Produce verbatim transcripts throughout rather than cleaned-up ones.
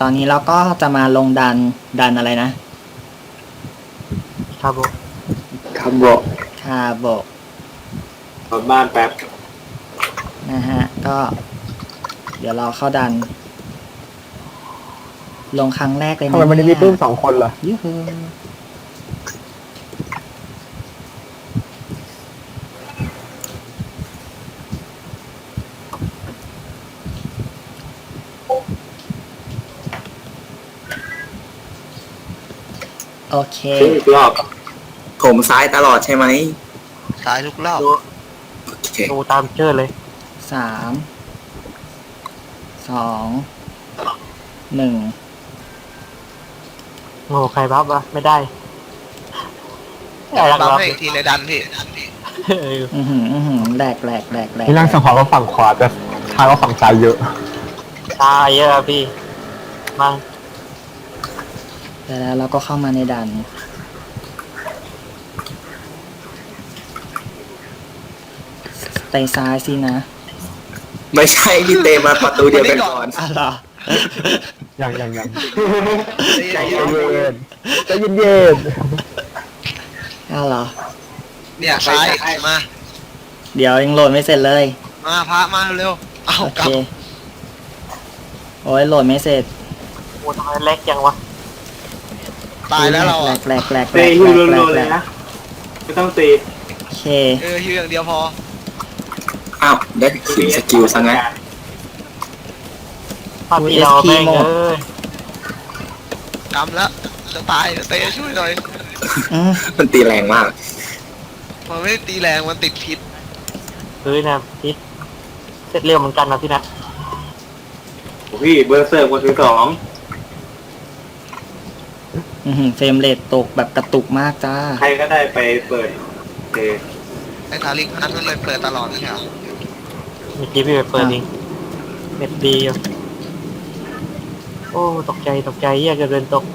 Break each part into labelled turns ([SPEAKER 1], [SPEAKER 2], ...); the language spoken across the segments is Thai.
[SPEAKER 1] อนนี้เราก็จะมาลงดันดันอะไรนะ
[SPEAKER 2] คาโบ
[SPEAKER 3] คำโบะ
[SPEAKER 1] คาโบะ
[SPEAKER 3] กลับบ้านแป๊บ
[SPEAKER 1] นะฮะก็เดี๋ยวเราเข้าดัน ลงครั้งแรกเลยนะ
[SPEAKER 2] ทำไมมันมีปื้มสองคนเหรอ
[SPEAKER 1] ยูฮูโอเค
[SPEAKER 3] อีกรอบผมซ้ายตลอดใช่ไหม
[SPEAKER 4] ซ้ายทุกรอบ
[SPEAKER 2] ดูตามเชื่อเลย
[SPEAKER 1] สามสองหนึ่ง
[SPEAKER 2] โง่ใครบัฟวะไม่ได้
[SPEAKER 4] อยากบัฟให้อีกทีในดันพี่
[SPEAKER 1] อือหืออือหือแหลกแหลกแหลกแหลก
[SPEAKER 2] นี่ร่างสังหรณ์ก็ฝั่งขวาแต่ทางก็ฝั่งซ้ายเยอะซ้ายเยอะพี่มา
[SPEAKER 1] แต่แล้วเราก็เข้ามาในดันไปซ้ายสินะ
[SPEAKER 3] ไม่ใช่พี่เตมาประตูเดียวกันก่อน
[SPEAKER 1] อ๋อเหรอ
[SPEAKER 2] ยังยังยังใจเย็นใจเย็นเย็น
[SPEAKER 1] อ๋อเหรอ
[SPEAKER 4] เนี่ยซ้ายมา
[SPEAKER 1] เดี๋ยวยังโหลดไม่เสร็จเลย
[SPEAKER 4] มาพระมาเร็วเอากลับ
[SPEAKER 1] โอ้ยโหลดไม่เสร็จ
[SPEAKER 2] โอ้ทำไมเล็กจังวะ
[SPEAKER 4] ตายแล้วเรา
[SPEAKER 1] แหลกแหลกแหลก
[SPEAKER 3] แหลกฮิวโลเลยนะไม่ต้องตี
[SPEAKER 1] โอเค
[SPEAKER 4] เออฮิวอย่างเดียวพอ
[SPEAKER 3] อ้าวได้ถึงสกิลซะงั้น
[SPEAKER 2] พอดีเราแม่งเลย
[SPEAKER 4] กำแล้วจะตายเตะช่วยหน่อย
[SPEAKER 3] มันตีแรงมาก
[SPEAKER 4] มันไม่ตีแรงมันติดพิษ
[SPEAKER 2] เฮ้ยนะพิษเสร็จเร็วเหมือนกันนะพี่นะ
[SPEAKER 3] พี่เบอร์เซอร์คนที่สอง
[SPEAKER 1] เฟรมเรทตกแบบกระตุกมากจ้า
[SPEAKER 3] ใครก็ได้ไปเปิดเอ
[SPEAKER 4] ไอ้ทาริกอันนั้นเลยเปิดตลอดนะครั
[SPEAKER 2] บเมื่อกี้พี่ไปเปิดเองเน็ตดีอยู่โอ้ตกใจตกใจแยกกันเดินตก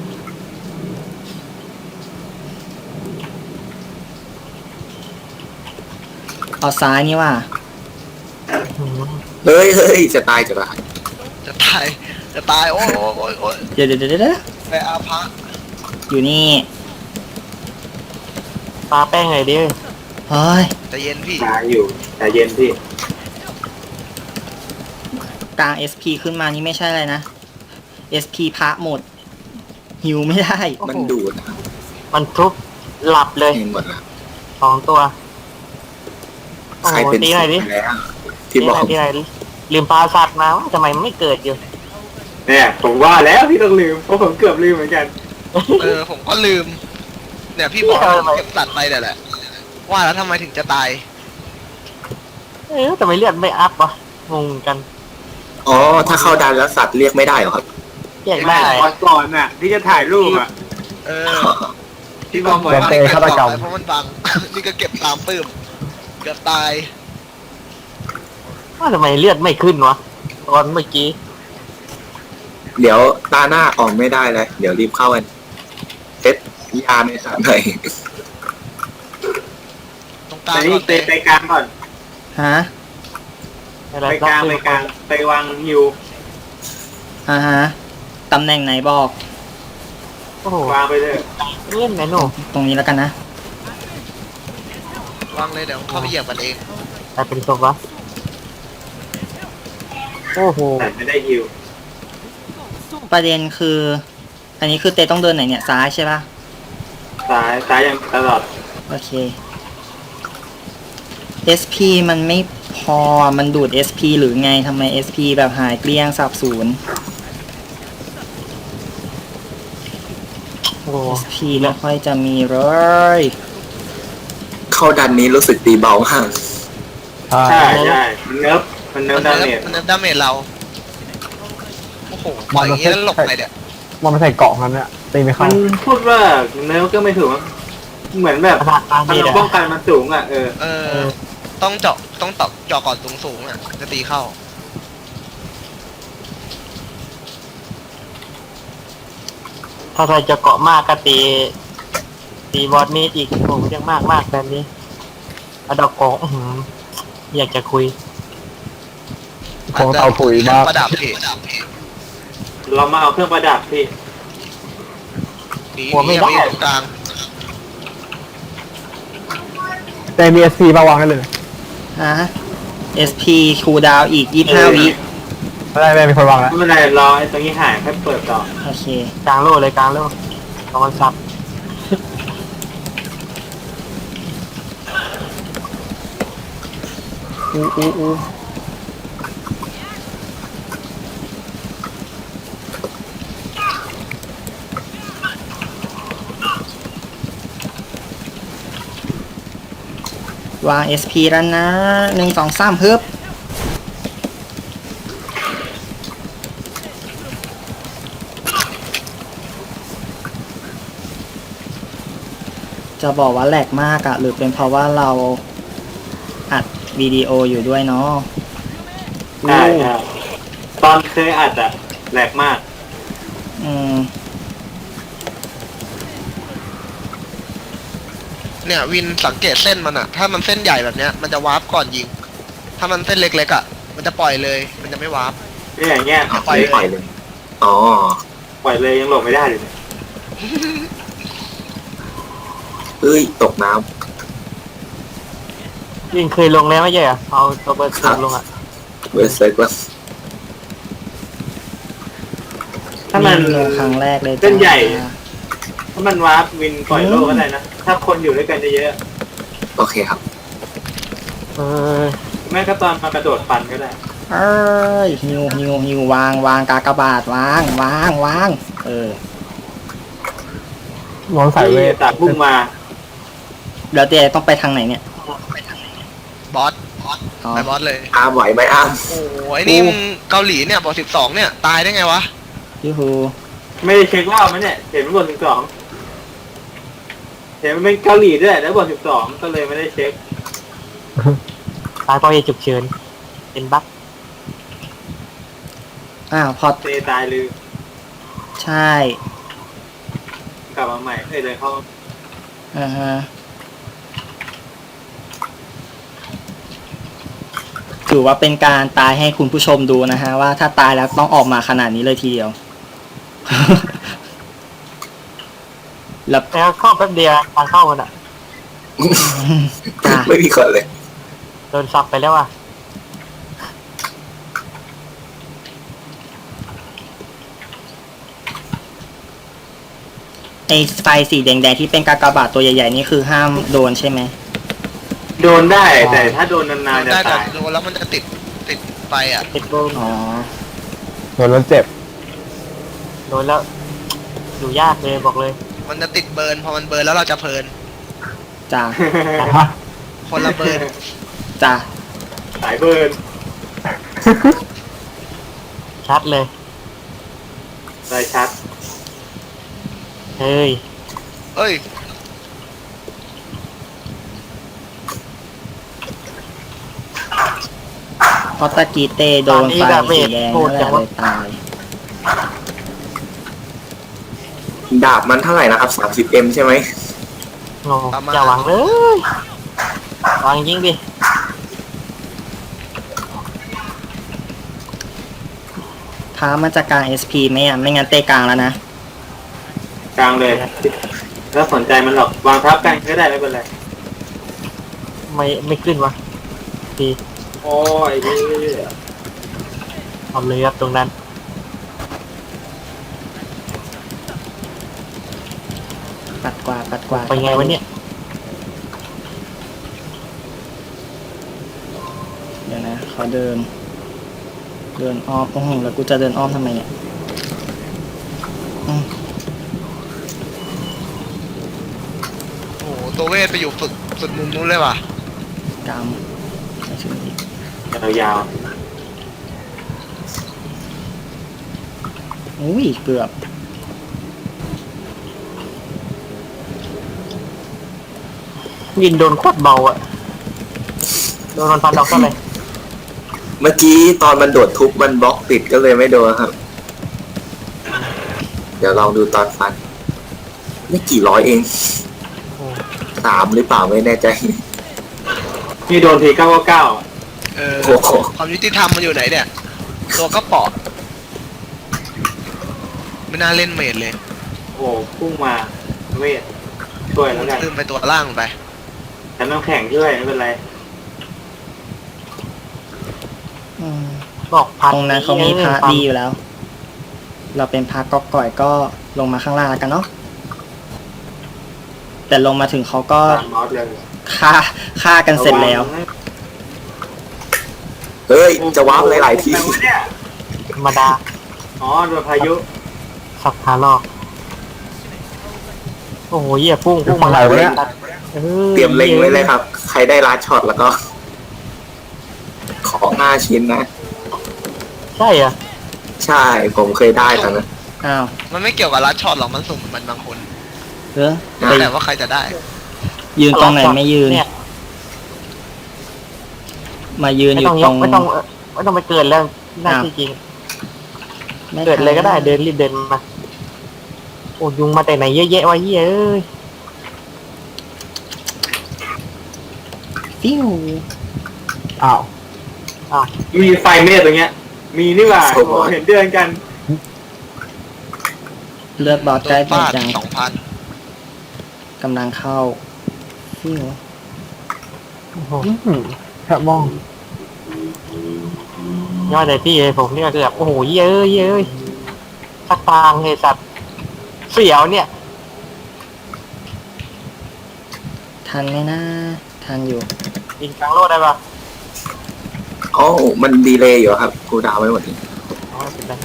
[SPEAKER 1] เอาซ้ายนี่ว่า
[SPEAKER 3] เฮ้ยเฮ้ยจะตายจะตาย
[SPEAKER 4] จะตายจะตายโอ้ยโอ้ยโอ้ย
[SPEAKER 1] เดี๋ยวเดี๋ยวเดี๋ยว
[SPEAKER 4] ไปอาพะ
[SPEAKER 1] อยู่นี่
[SPEAKER 2] ปลาแป้งไงดิ
[SPEAKER 1] เฮ้ย
[SPEAKER 4] ใจเย็นพี่
[SPEAKER 3] ตายอยู่ใจเย็นพี่
[SPEAKER 1] กลาง เอส พี ขึ้นมานี่ไม่ใช่อะไรนะ เอส พี พระหมดหิวไม่ได้
[SPEAKER 3] มันดูด
[SPEAKER 2] มันทุบหลับเลย
[SPEAKER 3] หมดละ
[SPEAKER 2] สองตัว
[SPEAKER 3] ใครเป็น
[SPEAKER 2] ตีไหนดิ
[SPEAKER 3] ที่บอก
[SPEAKER 2] ตีไหนดิลืมปลาสัตว์มาทำไมไม่เกิดอยู่
[SPEAKER 3] เนี่ยผมว่าแล้วพี่ต้องลืมเพราะผมเกือบลืมเหมือนกัน
[SPEAKER 4] เออผมก็ลืมเนี่ยพี่บอกเก็บสัตว์ไปแต่แหละว่าแล้วทำไมถึงจะตาย
[SPEAKER 2] เออทำไมเลือดไม่อัพวะงงกัน
[SPEAKER 3] อ๋อถ้าเข้าดันแล้วสัตว์เรียกไม่ได้หรอครับ
[SPEAKER 2] เรียกได้
[SPEAKER 3] ก่อนน่ะที่จะถ่ายรูปอ่ะ
[SPEAKER 4] เออ
[SPEAKER 3] ที่บอกว่า
[SPEAKER 2] เตะฆาตกรรม
[SPEAKER 4] เพราะมันบังนี่ก็เก็บตามปื้มเกือบตาย
[SPEAKER 2] ว่าทำไมเลือดไม่ขึ้นวะตอนเมื่อกี้
[SPEAKER 3] เดี๋ยวตาหน้าออกไม่ได้เลยเดี๋ยวรีบเข้ากันเซ็ตยาในสามเลย
[SPEAKER 4] ตรงกลาง
[SPEAKER 3] ก่อนเตะไปกลางก่อน
[SPEAKER 1] ฮะ
[SPEAKER 3] ไปกลางไปกลางไปวางฮิว
[SPEAKER 1] อ่าฮะตำแหน่งไหนบอก
[SPEAKER 3] วางไปเลย
[SPEAKER 2] เล่นไหนหนู
[SPEAKER 1] ตรงนี้แล้วกันนะ
[SPEAKER 4] วางเลยเดี๋ยวเข้าไปเหยียบกันเอง
[SPEAKER 2] แต่เป็นศพวะโอ้โห
[SPEAKER 3] แต่ไม่ได้ฮิว
[SPEAKER 1] ประเด็นคือ อันนี้คือเตต้องเดินไหนเนี่ยซ้ายใช่ปะ
[SPEAKER 3] ซ้ายซ้ายยังตลอด
[SPEAKER 1] โอเค เอส พี มันไม่พอมันดูด เอส พี หรือไงทำไม เอส พี แบบหายเกลี้ยงสับสูญ เอส พี ไม่ค่อยจะมีเลย
[SPEAKER 3] เข้าดันนี้รู้สึกตีเบามากใช่ใช่มันเนิร์ฟมันเนิร์ฟดาเมจ
[SPEAKER 4] มันเนิร์ฟดาเมจเราโอ้โหปล่อยอย่างนี้แล้วหลบไปเนี่ย
[SPEAKER 2] มันใส่เกาะกันเนี่ยตีไม่เข้า
[SPEAKER 3] มันพูดว่าเนิร์ฟก็ไม่ถูกเหมือนแบบพลังป้องกันมันสูงอ่ะเออ
[SPEAKER 4] เออต้องเจาะต้องตอกเจาะก่อนสูงสูงอ่ะจะตีเข้า
[SPEAKER 2] ถ้าใครจะเกาะมากก็ตีตีบอสมีดอีกโอ้ยังมากมากแบบนี้อดอกเกาะอยากจะคุยคงเตาปุ๋ยมาก
[SPEAKER 4] ประดับเพจ
[SPEAKER 2] เรามาเอาเครื่องประดับพี่
[SPEAKER 4] หนี
[SPEAKER 2] หัว
[SPEAKER 4] ห
[SPEAKER 2] ไม่
[SPEAKER 4] นี
[SPEAKER 2] ได้
[SPEAKER 4] ไปอยู่ตรงกลาง
[SPEAKER 5] แต่มีเอสซีมาวางให้เลย
[SPEAKER 1] ฮะ เอส พี คูลดาวน์อีกยี่สิบห้าวิ
[SPEAKER 5] ไม่ได้ไม่มีคนวางแล้ว
[SPEAKER 2] ไม่เป็นไรรอไอ้ตรงนี้หายค่อยเปิดต่อ
[SPEAKER 1] โอเค
[SPEAKER 2] กลางโลเลยกลางโลตอนซับ
[SPEAKER 1] อู้อู้อู้วาง เอส พี แล้วนะหนึ่งสองสามฮึบจะบอกว่าแหลกมากอะหรือเป็นเพราะว่าเราอัดวิดีโออยู่ด้วยเนาะ
[SPEAKER 2] ใช่ใช่ตอนเคยอัดอะแหลกมาก
[SPEAKER 1] อืม
[SPEAKER 4] เนี่ยวินสังเกตเส้นมันอะถ้ามันเส้นใหญ่แบบเนี้ยมันจะวาร์ปก่อนยิง ถ้ามันเส้นเล็กๆอะมันจะปล่อยเลย มันจะไม่วาร์ป
[SPEAKER 2] นี่อย่างเงี้ย
[SPEAKER 4] ปล่อยเลย
[SPEAKER 3] ปล่อยเลย อ๋อ
[SPEAKER 2] ปล่อยเลยยังหลบไม่ได้เลยเนี่ย
[SPEAKER 3] เอ้ย ตกน้
[SPEAKER 2] ยิงเคยลงแล้วไม่ใช่เหรอเอาตัวเบอร์สูงลงอะ
[SPEAKER 3] ำเวสเซอร์ก็
[SPEAKER 2] ถ้ามัน
[SPEAKER 1] ลงครั้งแรกเลยจ้า
[SPEAKER 2] เส้นใหญ่ ถ้ามันวาร์ปวินปล่อยโลก็ได้นะ ถ้าคนอยู่ด้วยกันเยอะ
[SPEAKER 3] โอเคครับ
[SPEAKER 2] ๆเออแม่ก็ตอนมากระโดดฟันก็ได้
[SPEAKER 1] เอ้ยฮิวฮิวฮิววางวางกากบาทวางวางวางเออ
[SPEAKER 5] มองสายเว
[SPEAKER 2] ที่
[SPEAKER 5] ท
[SPEAKER 2] ตัดพุ่งมา
[SPEAKER 1] แล้วเจต้องไปทางไหนเนี่ย
[SPEAKER 4] บอส
[SPEAKER 1] อ๋อ
[SPEAKER 4] ไปบอสเลย
[SPEAKER 3] อ้ามไหวไหมอ้าม
[SPEAKER 4] โอ้ยนี่มึงเกาหลีเนี่ยบอกสิบสองเนี่ยตายได้ไงวะ
[SPEAKER 1] ยูฮู
[SPEAKER 2] ไม่ได้เช็ครอบมันเนี่ยเห็นมันบนสิบสองเห็นมันเป็นเกาหลีด้วยแล้วบนสิบสองก็เลยไม่ได้เช็คตายเพราะเหตุฉุกเฉินเป็นบั๊ก
[SPEAKER 1] อ้าวพอ
[SPEAKER 2] เตตายลืม
[SPEAKER 1] ใช่
[SPEAKER 2] กลับมาใหม่เอ้ยเลยเข้า
[SPEAKER 1] อ่าฮะถือว่าเป็นการตายให้คุณผู้ชมดูนะฮะ ว่าถ้าตายแล้วต้องออกมาขนาดนี้เลยทีเดียว แล้ว
[SPEAKER 2] แล้วเข้าแป๊บเดียวทางเข้ามันอ่ะ
[SPEAKER 1] จ้ะ
[SPEAKER 3] ไม่มีคนเลย
[SPEAKER 2] โดนซับไปแล้วอ่ะ
[SPEAKER 1] ไอไฟสีแดงๆที่เป็นกากบาทตัวใหญ่ๆนี่คือห้ามโดนใช่ไหม
[SPEAKER 2] โดนได้แต่ถ้าโดนนานๆจะ
[SPEAKER 4] ได้แต่
[SPEAKER 2] ตาย
[SPEAKER 4] โดนแล้วมันจะติดติดไปอ่ะ
[SPEAKER 2] ติดโดน
[SPEAKER 1] อ๋อ
[SPEAKER 5] โดนแล้วเจ็บ
[SPEAKER 2] โดนแล้วอยู่ยากเลยบอกเลย
[SPEAKER 4] มันจะติดเบิร์นพอมันเบิร์นแล้วเราจะเพลิน
[SPEAKER 1] จ้ะ
[SPEAKER 4] คนละเบิร์น
[SPEAKER 1] จ้ะ
[SPEAKER 2] สายเบิร์นชัดเลยเลยชัดเฮ้ย
[SPEAKER 4] เอ้ย
[SPEAKER 1] เพราะตะกี้เตโดนไฟสีแดงนั่นแหละเลยตาย
[SPEAKER 3] ดาบมันเท่าไหร่นะครับ สามสิบเอ็ม ใช่ไหม
[SPEAKER 2] โง่อย่าหวังเลยหวังยิงดิ
[SPEAKER 1] ท้ามันจะกลาง เอส พี ไหมอ่ะ ไม่งั้นเตะกลางแล้วนะ
[SPEAKER 2] กลางเลยแล้วสนใจมันหรอกวางทับกันก็ได้ไม่เป็นไรไม่ไม่ขึ้นวะดีโอ้ยทำเลยครับตรงนั้น
[SPEAKER 1] ปัดกวาดปัดกวาด
[SPEAKER 2] ไปไงวะเนี่ย
[SPEAKER 1] เดี๋ยวนะขอเดิน เดินอ้อมโอ้โหแล้วกูจะเดินอ้อมทำไมเนี่ยอืม
[SPEAKER 4] โอ้โหตัวเวทไปอยู่สุดสุดมุมนู้นเลยว่ะ
[SPEAKER 1] กำไม่ถึงอีก
[SPEAKER 2] ยาว
[SPEAKER 1] อุ้ยเกือบ
[SPEAKER 2] ๆยินโดนโคตรเบาอ่ะโดนมันฟันออกก็เลย
[SPEAKER 3] เมื่อกี้ตอนมันโดดทุบมันบล็อกติดก็เลยไม่โดนครับ เดี๋ยวลองดูตอนฟัน ไม่กี่ร้อยเอง สามหรือเปล่าไม่แน่ใจ
[SPEAKER 2] นี่โดนทีเก้าเก้า
[SPEAKER 4] เออ
[SPEAKER 3] โอ้โห
[SPEAKER 4] ความยุติธรรมมันอยู่ไหนเนี่ย ตัวก็เปาะไม่น่าเล่นเมดเลย
[SPEAKER 2] โอ้พุ่งมาเวทช่วยแล้วกัน
[SPEAKER 4] ลืมไปตัวล่างไป
[SPEAKER 2] ฉันน้ำแข็งช่วยไม่เป็นไร
[SPEAKER 1] อืม
[SPEAKER 6] บอกพัด
[SPEAKER 1] ตรงนั้นเขามีพระดีอยู่แล้ว เราเป็นพระก๊อกก่อยก็ลงมาข้างล่างแล้วกันเนาะแต่ลงมาถึงเขาก็
[SPEAKER 2] ตามมอสเลย
[SPEAKER 1] ฆ่าฆ่ากันเสร็จแล้ว
[SPEAKER 3] เฮ้ย จะวาร์ปหลายๆที
[SPEAKER 2] แปลว่าเนี่ย
[SPEAKER 6] ธรรมดา
[SPEAKER 2] อ๋อโดนพายุ
[SPEAKER 6] สับขาลอกโอ้โหเหี้ยพุ่งพุ่งมา
[SPEAKER 5] อะไรวะเนี่ย
[SPEAKER 6] ออ
[SPEAKER 3] เตรียมเล็งไว้เลยครับ ใครได้ลัดช็อตแล้วก็ ของห้าชิ้นนะ
[SPEAKER 6] ใช่เหรอ
[SPEAKER 3] ใช่ ผมเคยได้ตอนนั้น
[SPEAKER 1] อ้าว
[SPEAKER 4] มันไม่เกี่ยวกับลัดช็อตหรอกมันสุ่มมันบางคน
[SPEAKER 1] เออ
[SPEAKER 3] อ่ะ
[SPEAKER 1] ไป
[SPEAKER 4] แต่ว่าใครจะได้
[SPEAKER 1] ยืนตรงไหนไม่ยืน
[SPEAKER 6] เนี่ย
[SPEAKER 1] มายืน
[SPEAKER 6] ไม่
[SPEAKER 1] อยู่
[SPEAKER 6] ต้องย
[SPEAKER 1] ตร
[SPEAKER 6] ก
[SPEAKER 1] ง
[SPEAKER 6] ไม่ต้องเอ่อไม่ต้องไปเกิดแล้วน่า
[SPEAKER 1] อ้าว
[SPEAKER 6] จริง
[SPEAKER 1] ไม่
[SPEAKER 6] ๆเกิดเลยก็ได้เดินรีบเดินมาโอ้ยุงมาแต่ไหนเยอะแยะวะเฮ้ยเอ้ย
[SPEAKER 1] ฟิว
[SPEAKER 5] อ้าว
[SPEAKER 2] มีไฟเมฆตรงเนี้ย มีนี่หว่า
[SPEAKER 3] โอ้โห
[SPEAKER 2] โอ้เห็นเดือนกัน
[SPEAKER 1] เลือดบอส
[SPEAKER 4] โด
[SPEAKER 1] ใกล้
[SPEAKER 4] น
[SPEAKER 1] หมด
[SPEAKER 4] ฟาด
[SPEAKER 1] จัง
[SPEAKER 4] สองพัน
[SPEAKER 1] กำลังเข้าฟิว
[SPEAKER 6] โอ้โห
[SPEAKER 5] อืมแค่มอง
[SPEAKER 6] ยอดเลยพี่เลยผมเนี่ยคือแบบโอ้โหเฮ้ยเอ้ยเฮ้ยเอ้ยสักทางเลยสัตว์เสียวเนี่ย
[SPEAKER 1] ทันไหมนะทันอยู่
[SPEAKER 6] ยิงกลางโลดได้ปะ
[SPEAKER 3] อ๋อมันดีเลย์อยู่ครับกูดาวไว้หมดเลย
[SPEAKER 6] อ๋อเป็นไร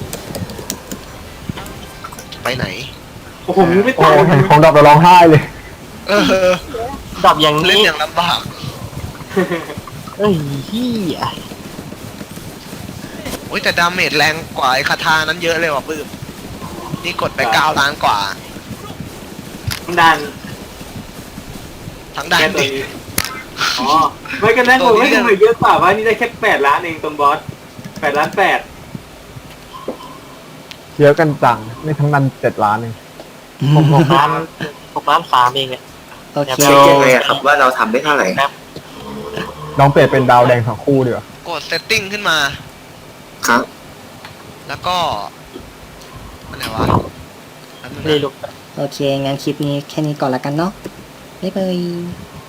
[SPEAKER 4] ไปไหน
[SPEAKER 2] โอ้โหมึงไม่
[SPEAKER 5] โอ้
[SPEAKER 2] ตาย
[SPEAKER 5] เห็นของดับแล้วร้องไห้เลย
[SPEAKER 4] เออ
[SPEAKER 6] ดับอย่าง
[SPEAKER 4] เล่น
[SPEAKER 6] นี้
[SPEAKER 4] อย่างลำบาก
[SPEAKER 6] เอ้ยเฮีย
[SPEAKER 4] โอ้ยแต่ดาเมจแรงกว่าไอ้คาทานั้นเยอะเลยว่ะปื้มนี่กดไปเก้าล้านกว่า
[SPEAKER 2] ดัน
[SPEAKER 4] ทั้งดัน
[SPEAKER 2] แค่ตัว
[SPEAKER 4] ดิ
[SPEAKER 2] นี้อ๋อไม่กันนั้นผมไม่ทำไมเยอะกว่าว่านี่ได้แค่แปดล้านเองตรงบอสแปดล้านแปด
[SPEAKER 5] เยอะกันจังไม่ทั้งนั้นเจ็ดล้านเอง
[SPEAKER 6] ผมหกล้านหกล้านสามเองเนี่ย
[SPEAKER 1] โอเค
[SPEAKER 3] เช็คยังไงอะครับว่าเราทำได้เท่าไหร่
[SPEAKER 5] ลองเปลี่ยนเป็นดาวแดงทั้งคู่ดีกว่า
[SPEAKER 4] กดเซตติ้งขึ้นมา
[SPEAKER 3] ครับ
[SPEAKER 4] แล้วก็อะไรวะแป๊บนึงนะ
[SPEAKER 6] นี่ลูก
[SPEAKER 1] โอเค งั้นคลิปนี้แค่นี้ก่อนละกันเนาะบ๊ายบาย